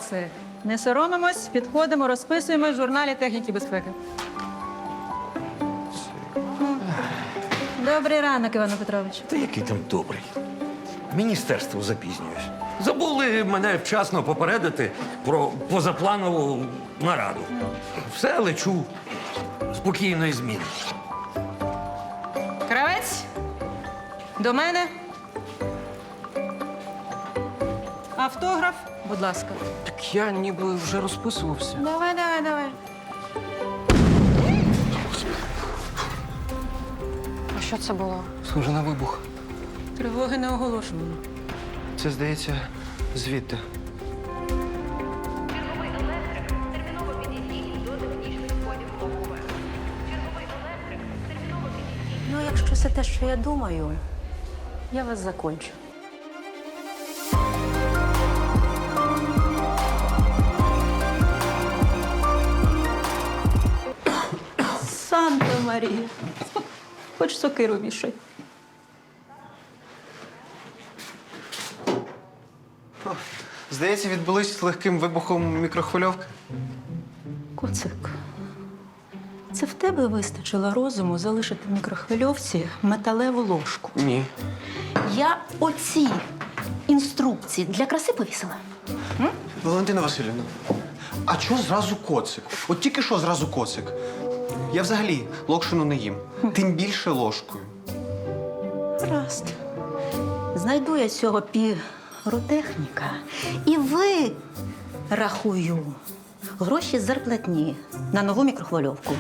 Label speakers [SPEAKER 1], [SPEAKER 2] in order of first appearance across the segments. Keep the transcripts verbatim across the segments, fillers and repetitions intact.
[SPEAKER 1] Молодці. Не соромимось, підходимо, розписуємо в журналі техніки безпеки. Добрий ранок, Івану Петровичу.
[SPEAKER 2] Та який там добрий. Міністерство запізнююсь. Забули мене вчасно попередити про позапланову нараду. Все, лечу. Спокійної зміни.
[SPEAKER 1] Кравець, до мене. Автограф, будь ласка.
[SPEAKER 3] Так я ніби вже розписувався.
[SPEAKER 1] Давай, давай, давай.
[SPEAKER 4] А що це було?
[SPEAKER 3] Схоже на вибух.
[SPEAKER 1] Тривоги не оголошувано.
[SPEAKER 3] Це, здається, звідти.
[SPEAKER 5] Черговий електрик, терміново підійдіть до технічних входів ОУВ. Черговий електрик, терміново підійдіть.
[SPEAKER 6] Ну, якщо це те, що я думаю, я вас закончу. Санта Марія. Хоч сокиру вішай.
[SPEAKER 3] Здається, відбулись легким вибухом мікрохвильовки.
[SPEAKER 6] Коцик, це в тебе вистачило розуму залишити в мікрохвильовці металеву ложку.
[SPEAKER 3] Ні.
[SPEAKER 6] Я оці інструкції для краси повісила.
[SPEAKER 3] Валентина Васильівна, а чого зразу коцик? От тільки що зразу коцик. Я взагалі локшину не їм. Тим більше ложкою.
[SPEAKER 6] Гаразд. Знайду я цього піротехніка і ви, рахую, гроші з зарплатні на нову мікрохвильовку.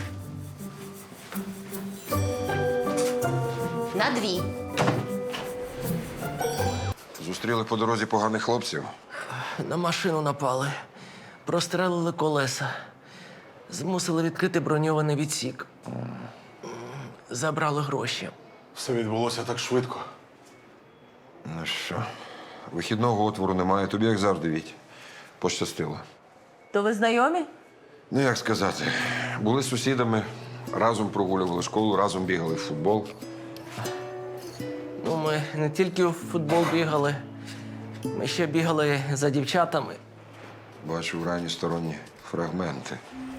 [SPEAKER 6] На дві.
[SPEAKER 7] Зустріли по дорозі поганих хлопців.
[SPEAKER 8] На машину напали, прострелили колеса, змусили відкрити броньований відсік. Забрали гроші.
[SPEAKER 9] Все відбулося так швидко.
[SPEAKER 7] Ну що, вихідного отвору немає, тобі як завжди, Віть. Пощастило.
[SPEAKER 6] То ви знайомі?
[SPEAKER 7] Ну, як сказати, були сусідами, разом прогулювали школу, разом бігали в футбол.
[SPEAKER 8] Ну, ми не тільки в футбол бігали, ми ще бігали за дівчатами.
[SPEAKER 7] Бачу в рані сторонні фрагменти.